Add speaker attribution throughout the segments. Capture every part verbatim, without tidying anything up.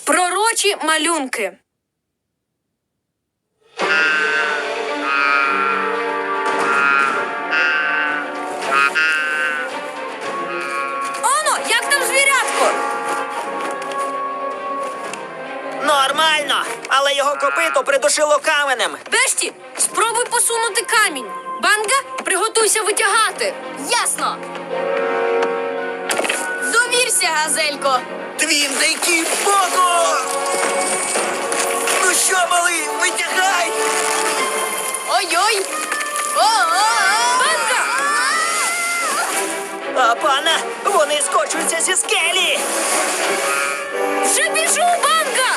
Speaker 1: Пророчі малюнки. Оно, як там звірятко?
Speaker 2: Нормально, але його копито придушило каменем.
Speaker 1: Бешті, спробуй посунути камінь. Банга, приготуйся витягати.
Speaker 3: Ясно. Довірся, газелько.
Speaker 2: Твіндейки боку! Ну що, малий, витягай!
Speaker 3: Ой-ой. О-о-о.
Speaker 1: Банга!
Speaker 2: А пана, вони скочуються зі скелі!
Speaker 1: Вже біжу, Банга!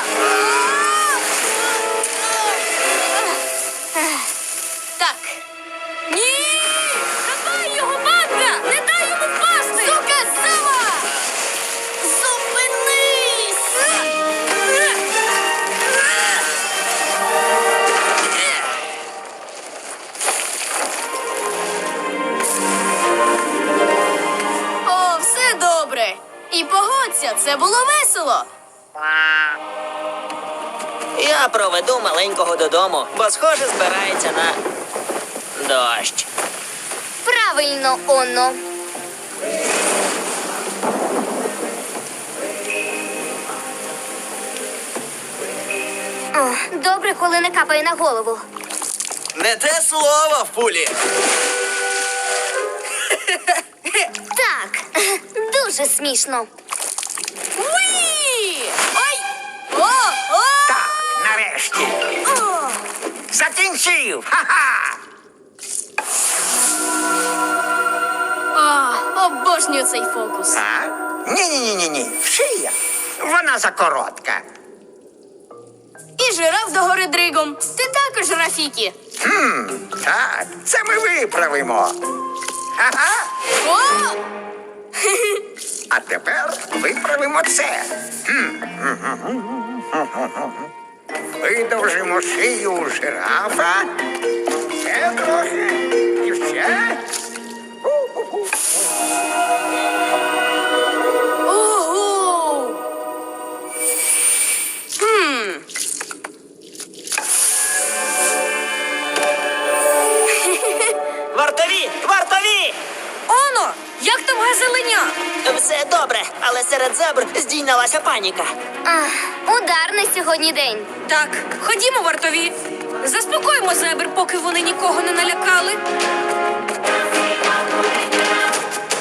Speaker 3: Так.
Speaker 1: Ні! Хапай його, Банга! Не дай йому впасти!
Speaker 3: Сука, сама! Зупинись! О, все добре. І погодься, це було весело.
Speaker 2: Я проведу маленького додому, бо, схоже, збирається на дощ.
Speaker 3: Правильно, Онно. Добре, коли не капає на голову.
Speaker 2: Не те слово в пулі.
Speaker 3: Так, дуже смішно. Уї! Ой! О! О!
Speaker 4: Так, нарешті.
Speaker 3: О!
Speaker 4: Закінчив! Ха-ха!
Speaker 3: О, обожнюю цей фокус.
Speaker 4: А? Ні-ні-ні-ні. Шия. Вона закоротка.
Speaker 3: І жираф догори дригом. Ти також, Рафікі.
Speaker 4: Хм, так, це ми виправимо. Ага.
Speaker 3: О!
Speaker 4: А тепер виправимо це. Хм. Видовжимо шию у жирафа. Ще трохи. І ще.
Speaker 3: Ого! Хм.
Speaker 2: Вартові! Вартові!
Speaker 1: Оно, як там газеленя?
Speaker 2: Все добре, але серед зебр здійнялася паніка.
Speaker 3: Ах, ударний сьогодні день.
Speaker 1: Так, ходімо, вартові. Заспокоїмо зебр, поки вони нікого не налякали.